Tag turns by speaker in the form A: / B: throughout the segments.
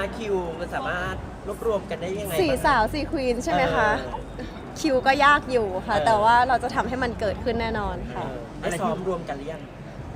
A: คิวมันสามารถรวบรวมกันได้ยังไง
B: สี่
A: บ้าง
B: สาวสี่ควีนใช่ไหมคะ
A: เออ
B: คิวก็ยากอยู่ค่ะ
A: เออ
B: แต่ว่าเราจะทำให้มันเกิดขึ้นแน่นอนค่ะ
A: ได้ซ้อมรวมกันหรือยัง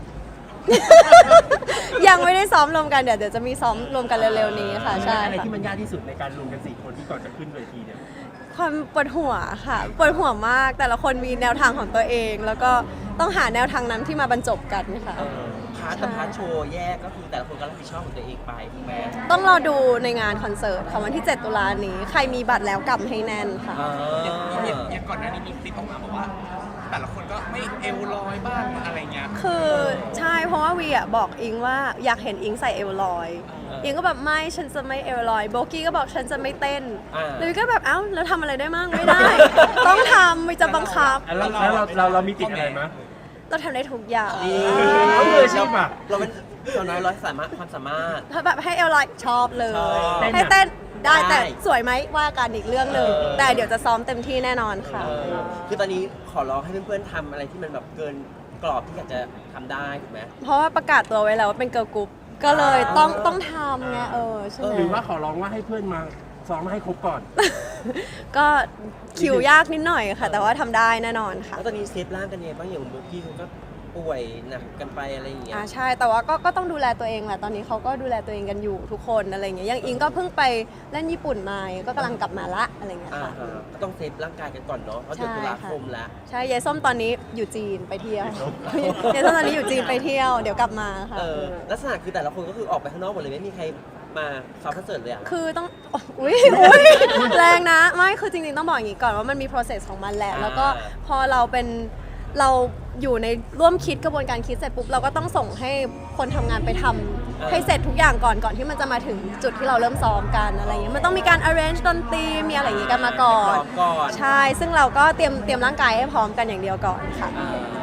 B: ยังไม่ได้ซ้อมรวมกันเดี๋ยวจะมีซ้อมรวมกันเร็วๆนี้ค่ะใช่
C: อะไร
B: ค่ะ
C: ที่มันยากที่สุดในการรวมกัน4คนที่ก่อนจะขึ้นเวทีเนี่ย
B: ความปวดหัวค่ะปวดหัวมากแต่ละคนมีแนวทางของตัวเอง แล้วก็ต้องหาแนวทางนั้นที่มาบรรจบกันค่ะ
A: พาร์ทกับพาร์ทโชว์แยกก็คือแต่ละคนก็รับผิดชอบของตัวเองไปถูกไหม
B: ต้องรอดูในงานคอนเสิร์ตค่ะวันที่ 7 ตุลานี้ ใครมีบัตรแล้วกำให้แน่นค่ะ
D: อย่างก่อนหน้านี้มีคลิปออกมาบอกว่า แต่ละคนก็ไม่เอวลอยบ้างอะไรเงี้ย
B: คือใช่เพราะว่าวีอ่ะบอกอิงว่าอยากเห็นอิงใส่เอวลอยอิงก็แบบไม่ฉันจะไม่เอวลอยโบกี้ก็บอกฉันจะไม่เต้นเลยก็แบบเอ้าแล้วทำอะไรได้มั่งไม่ได้ ต้องทำไม่จะบังคับ
C: แล้วเรามีติดอะไรมั้ย
B: เราทำได้ทุกอย่าง
C: เขามืออาชีพอะ
A: เราเป็นเราน้อยร้อยความสามารถ
B: ถ้าแบบให้เอวลอยชอบเลย
A: ชอบ
B: ให้เต้นได้
A: ได้
B: แต่สวยไหมว่ากันอีกเรื่องหนึ่ง
A: เออ
B: แต่เดี๋ยวจะซ้อมเต็มที่แน่นอนค่ะ
A: คือตอนนี้ขอร้องให้เพื่อนๆทำอะไรที่มันแบบเกินกรอบที่อยากจะทำได้ถูกไหม
B: เพราะว่าประกาศตัวไว้แล้วว่าเป็นเกิร์ลกรุ๊ปก็เลยต้องทำไงใช่ไหม
C: หรือว่าขอร้องว่าให้เพื่อนมาซ้อมมาให้ครบก่อน
B: ก็คิวยากนิดหน่อยค่ะ แต่ว่าทำได้แน่นอนค่ะ
A: แล้วตอนนี้เซฟร่างกันยังไงบ้างอย่างเมื่อกี้เขาก็ป่วยหนักกันไปอะไรอย่างเงี้ย
B: ใช่แต่ว่าก็ต้องดูแลตัวเองแหละตอนนี้เขาก็ดูแลตัวเองกันอยู่ทุกคนอะไรอย่างเงี้ยอย่างอิงก็เพิ่งไปเล่นญี่ปุ่นมาก็กำลังกลับมาละอะไรอย่างเงี้ยค่ะ
A: ก็ต้องเซฟร่างกายกันก่อนเนาะเพราะเดือนตุลาคมแล้ว
B: ใช่ยายส้มตอนนี้อยู่จีนไปเที่ยวยายส้มตอนนี้อยู่จีนไปเที่ยวเดี๋ยวกลับมาค่ะ
A: ลักษณะคือแต่ละคนก็คือออกไปข้างนอกหมดเลยไม่มีใครมาซ้อมคอนเสิร์ตเลยอ่ะ
B: คือต้องอุ้ยแรงนะไม่คือจริงๆต้องบอกอย่างนี้ก่อนว่ามันมี process ของมันแหละแล้วก็พอเราอยู่ในร่วมคิดกระบวนการคิดเสร็จปุ๊บเราก็ต้องส่งให้คนทำงานไปทำให้เสร็จทุกอย่างก่อนที่มันจะมาถึงจุดที่เราเริ่มซ้อมกันอะไรเงี้ยมันต้องมีการ arrange ดนตรีมีอะไรอย่างงี้กันมาก่อนใช่ซึ่งเราก็เตรียมร่างกายให้พร้อมกันอย่างเดียวก่อนค่ะ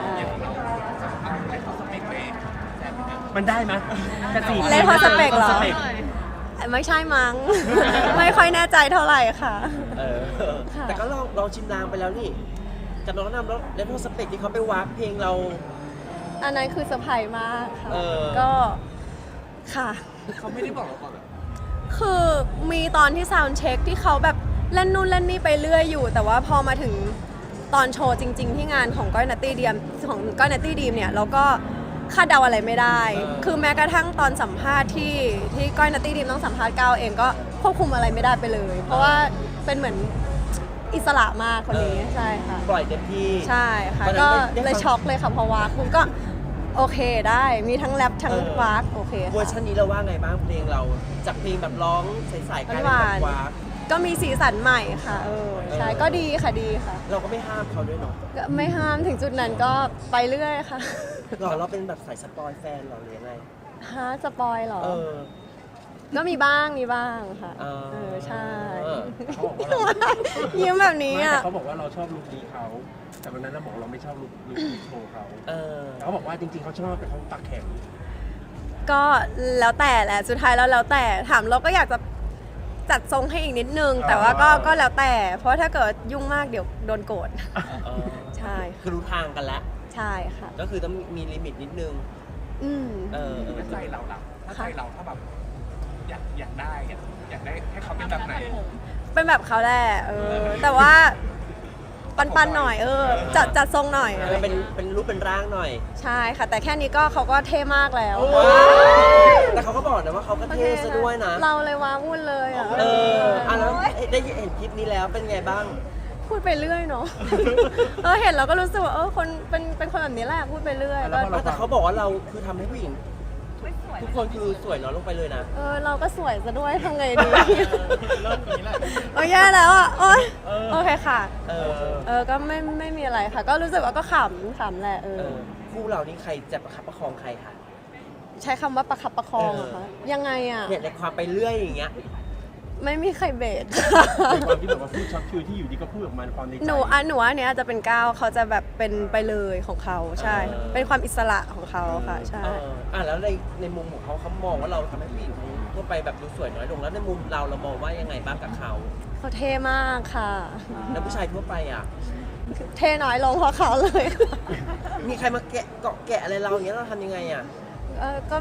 C: มันได้ไหมกระสี
B: เล่นคอนสเปกเหรอ ไม่ใช่มั้ง ไม่ค่อยแน่ใจเท่าไหร่ค่ะ ค่ะ
A: แต่ก็ลองชิมลางไปแล้วนี่กับน้องนำแล้วเลนโทสเปกที่เขาไปวากเพลงเรา
B: อันนั้นคือเซอร์ไพรส์มากค่ะ ก็ค่ะ
D: เขาไม่ได้บอกเราก่อนเหรอ
B: คือมีตอนที่ซาวด์เช็คที่เขาแบบเล่นนู่นเล่นนี่ไปเรื่อยอยู่ แต่ว่าพอมาถึงตอนโชว์จริง ๆ ที่งานของก้อยนัตตี้ดีมเนี่ยเราก็คาดเดาอะไรไม่ได้ คือแม้กระทั่งตอนสัมภาษณ์ที่ก้อยนัตตี้ดีมต้องสัมภาษณ์ก้าวเองก็ควบคุมอะไรไม่ได้ไปเลย เพราะว่าเป็นเหมือนอิสระมากคนนี้ใช่ค่ะ
A: ปล่อยเต็มที่
B: ใช่ค่ะ
A: ตอนนั้น
B: ก็
A: ได้
B: เลย
A: ฟัง
B: ช็อกเลยค่ะพอวากคุณก็โอเคได้มีทั้งแรปทั้งวากโอเค
A: เวอร์
B: ค่ะ
A: ชันนี้เราว่าไงบ้างเพลงเราจากเพลงแบบร้องใสๆกลายเป็นแบบวาก
B: ก็มีสีสันใหม่ค่ะใช่ก็ดีค่ะดีค่ะ
A: เราก็ไม่ห้ามเขาด้วยเนาะ
B: ก็ไม่ห้ามถึงจุดนั้นก็ไปเรื่อยค่ะ
A: เราเป็นแบบสายสปอยแฟนเราหรือยังไง
B: ฮะสปอยเหรอ
A: เออ
B: ก็มีบ้างค่ะ
A: เออ
B: ใช่
C: เขาบอกว่าเรา
B: ยิ้มแบบนี้
C: ไม่
B: อ่ะ
C: แต่เขาบอกว่าเราชอบลุคนี้เขาแต่วันนั้นเราบอกเราไม่ชอบลุคโชว์เขา
A: เออ
C: เขาบอกว่าจริงๆเขาชอบแต่เขาปากแข็ง
B: ก็แล้วแต่แหละสุดท้ายแล้วแต่ถามเราก็อยากจะจัดทรงให้อีกนิดนึง แต่ว่าก็แล้วแต่ เพราะถ้าเกิดยุ่งมากเดี๋ยวโดนโกรธ
A: เออ
B: ใช่
A: คือรู้ทางกันแล้ว
B: ใช่ค่ะ
A: ก็คือต้องมีลิมิตนิดนึง
B: อืม
A: เออ
D: ใจเราล่ะถ้าใจเราถ้าแบบอยากได้ให้เขาเป็นแบบไหน
B: เป็นแบบเขาแหละแต่ว่าปันๆหน่อยจัดทรงหน่อยอะไร
A: เป็นรูปเป็นร่างหน่อย
B: ใช่ค่ะ แต่แค่นี้ก็เขาก็เท่มากแล้ว
A: แต่เขาก็บอกนะว่าเขาก็เท่ซะด้วยนะ
B: เราเลยว้าวุ่นเลยอ่ะ
A: แล้วได้เห็นคลิปนี้แล้วเป็นไงบ้าง
B: พูดไปเรื่อยเนาะ เห็นเราก็รู้สึกว่าคนเป็นคนแบบนี้แหละพูดไปเรื่อยก็
A: แต่เขาบอกว่าเราคือทำให้ผู้หญิงทุกคนคือสวยน้อยลงไปเลยนะ
B: เราก็สวยซะด้วยทำไงดี
D: เริ่มนี้แหละ
B: โอ้ยแย่แล้วอ่ะโอ๊ยโอเคค่ะ
A: เออ
B: ก็ไม่มีอะไรค่ะ ก็รู้สึกว่าก็ขำแหละ
A: คู่เรานี่ใครจะประคับประคองใครคะ
B: ใช้คำว่าประคับประคองเหรอคะยังไงอ่ะ
A: เนี่ยในความไปเรื่อยอย่างเงี้ย
B: ไม่มีใครเบส
C: ในความที่แบบว่าพูดช็อตคิวที่อยู่ดีก็พูดออกมาในความในใจ
B: หนูว่าอันเนี้ยจะเป็นก้าวเขาจะแบบเป็นไปเลยของเขาใช่ เป็นความอิสระของเขาค่ะใช่
A: แล้วในมุมของเขามองว่าเราทำให้ผู้หญิงทั่วไปแบบดูสวยน้อยลงแล้วในมุมเรามองว่ายังไงบ้างกับเขา
B: เขาเท่มากค่ะ
A: แล้วผู้ชายทั่วไปอ่ะ
B: เท่น้อยลงเพราะเขาเลยค่ะ
A: มีใครมาเกาะแกะอะไรเราอย่างเงี้ยเราทำยังไงอ่ะ
B: ก็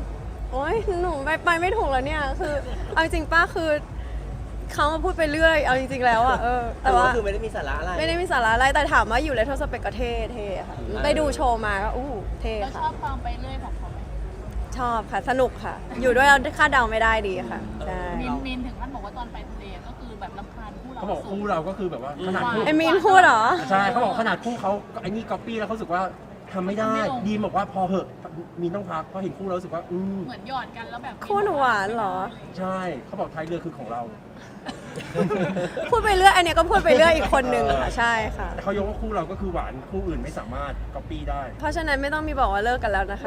B: โอ๊ยหนูไปไม่ถูกแล้วเนี่ยคือเอาจริงๆป้าคือเขามาพูดไปเรื่อยเอาจริงๆแล้วอะแต่ว่า
A: คือไม่ได้มีสาระอะไร
B: ไม่ได้มีสาระอะไรแต่ถามว่าอยู่เลทเทอร์สเปกก็เท่ค่ะไปดูโชว์มาก็เท่
E: เราช
B: ค่ะ
E: อบความไปเรื่อยของเขาไหม
B: ชอบค่ะสนุกค่ะ อยู่ด้วยเราคาดเดาไม่ได้ดีค่ะใช่
E: มินถึงขั้นบอกว่าตอนไปทะเลก็คือแบบรำคาญคู่เรา
C: เขาบอกคู่เราก็คือแบบว่าขนาดคู่
B: ไอมีนพูดเหรอ
C: ใช่เขาบอกขนาดคู่เขาไอ้นี่ก๊อปปี้แล้วเขารู้สึกว่าทำไม่ได้ดีมบอกว่าพอเหอะมีต้องพักเพราะเห็นคู่เรารู้สึกว่า
E: เหมือนหยอดกันแล้วแบบ
B: คู่หนูหวานเหรอ
C: ใช่เขาบอกท้ายเรือคือของเรา
B: พูดไปเรื่อยอันเนี้ยก็พูดไปเรื่อยอีกคนนึงค่ะใช่ค่ะ
C: แต่เขายกว่าคู่เราก็คือหวานคู่อื่นไม่สามารถก๊อปปี้ได้
B: เพราะฉะนั้นไม่ต้องมีบอกว่าเลิกกันแล้วนะคะ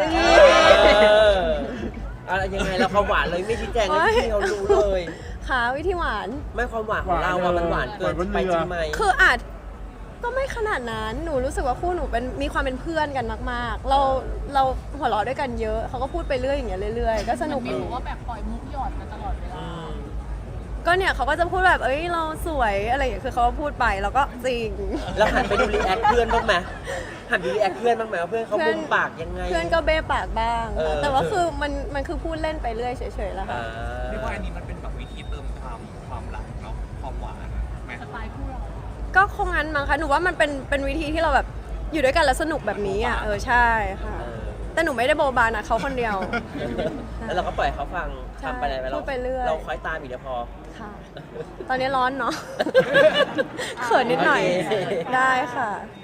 A: อะไรยังไงเราความหวานเลยไม่ชี้แจงให้พี่เขารู้เลย
B: ค่ะวิธีหวาน
A: ไม่ความหวานของเราอะมันหวานเกินไปจริงไหม
B: คืออาจก็ไม่ขนาดนั้นหนูรู้สึกว่าคู่หนูเป็นมีความเป็นเพื่อนกันมากๆ เราหัวเราะด้วยกันเยอะเขาก็พูดไปเรื่อยอย่างเงี้ยเรื่อยๆก็สนุก
E: มิ
B: ดี
E: นบอกว่าแบบปล่อยมุกหยอดกันตลอดเวลา
B: ก็เนี่ยเขาก็จะพูดแบบเอ้ยเราสวยอะไรอย่างเงี้ยคือเขาก็พูดไปแล้วก็จริง
A: แล้วหันไปดูรีแอคเพื่อนบ้างไหมหันไปดูรีแอคเพื่อนบ้างไหมว่าเพื่อนเขามุมปากยังไง
B: เพื่อนก็เบ้ปากบ้าง
A: เออ
B: แต่ว่าคือมันคือพูดเล่นไปเรื่อยเฉยๆแล้วค่ะ
A: อ่า
D: เรียกว่าอันนี้มันเป็นแบบวิธีเติมความรักเนาะความหวานไหม
E: สไตล์คู่เรา
B: ก็คงงั้นมั้งคะหนูว่ามันเป็นวิธีที่เราแบบอยู่ด้วยกันแล้วสนุกแบบนี้อ่ะใช่ค่ะ
A: เออ
B: แต่หนูไม่ได้โบบานะเขาคนเดียว
A: แล้วเราก็ปล่อยเขาฟัง
B: ใช่
A: ทำไปอะไร
B: พูดไปเรื่อย
A: เราคอยตามอีกเดี๋ยวพอ
B: ค่ะ ตอนนี้ร้อนเนาะ เขินนิดหน่อย
A: โอเค
B: ได้ค่ะ